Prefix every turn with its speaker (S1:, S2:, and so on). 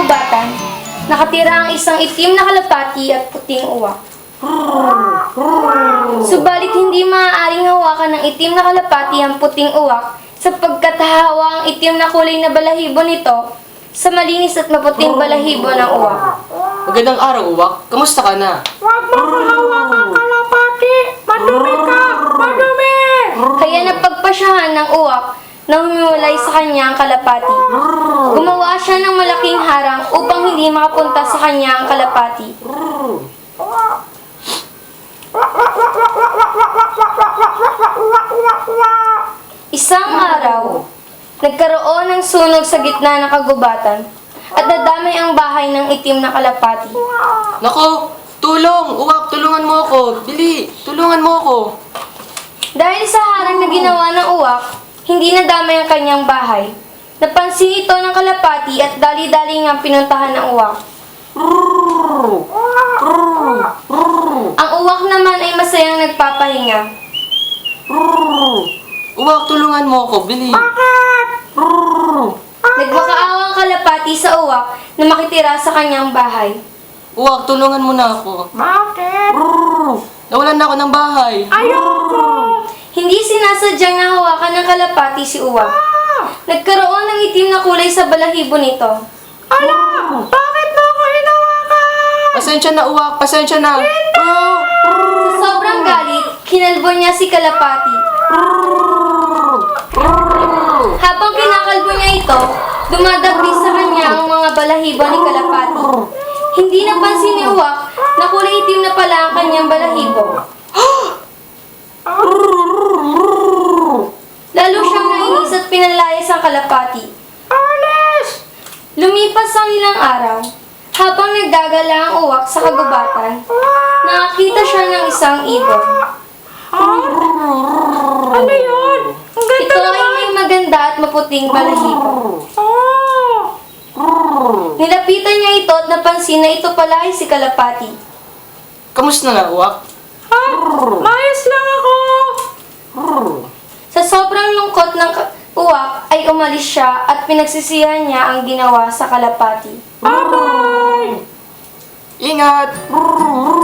S1: kagubatan, nakatira ang isang itim na kalapati at puting uwak. Subalit hindi maaaring hawakan ng itim na kalapati ang puting uwak sapagkat hahawa ang itim na kulay na balahibo nito sa malinis at maputing balahibo ng uwak.
S2: Magandang araw, Uwak. Kamusta ka na?
S3: Huwag mo hahawakan kalapati! Madumi ka! Madumi!
S1: Kaya napagpasyahan ng uwak na humiwalay sa kanya ang kalapati. Gumawa siya ng malaking harang upang hindi makapunta sa kanya ang kalapati. Isang araw, nagkaroon ng sunog sa gitna ng kagubatan at nadamay ang bahay ng itim na kalapati.
S2: Nako! Tulong! Uwak, tulungan mo ako! Bili! Tulungan mo ako!
S1: Dahil sa harang na ginawa ng uwak, hindi nadamay ang kanyang bahay. Napansin ito ng kalapati at dali-dali ngang pinuntahan ng uwak. Ang uwak naman ay masayang nagpapahinga.
S2: Uwak, tulungan mo ako! Bili!
S1: Nagmakaawa ang kalapati sa uwak na makitira sa kanyang bahay.
S2: Uwak, tulungan mo na ako!
S3: Bakit?
S2: Nawalan na ako ng bahay!
S3: Ayoko!
S1: Hindi sinasadyang nahawakan ng kalapati si uwak. Nagkaroon ng itim na kulay sa balahibo nito.
S3: Ala! Bakit mo ako hinawakan?
S2: Pasensya na, Uwak! Pasensya na!
S1: Sa sobrang galit, kinalbo niya si kalapati. Habang kinakalbo niya ito, dumadagdi sa kanya ang mga balahibo ni kalapati. Hindi napansin ni uwak na kulay itim na pala ang kanyang balahibo. Lalo siyang nainis at pinalayas ang kalapati.
S3: Alis!
S1: Lumipas ang ilang araw, habang nagdagala ang uwak sa kagubatan, nakakita siya ng isang ibon.
S3: Ano yun? Ang ganda
S1: Ito ay
S3: naman!
S1: may maganda at maputing balahibo.
S3: Oh!
S1: Nilapitan niya ito at napansin na ito pala ay si kalapati.
S2: Kamusta na, Uwak?
S3: Ha? Mayos lang ako!
S1: Sa sobrang lungkot ng uwak ay umalis siya at pinagsisihan niya ang ginawa sa kalapati.
S3: Bye-bye!
S2: Ingat!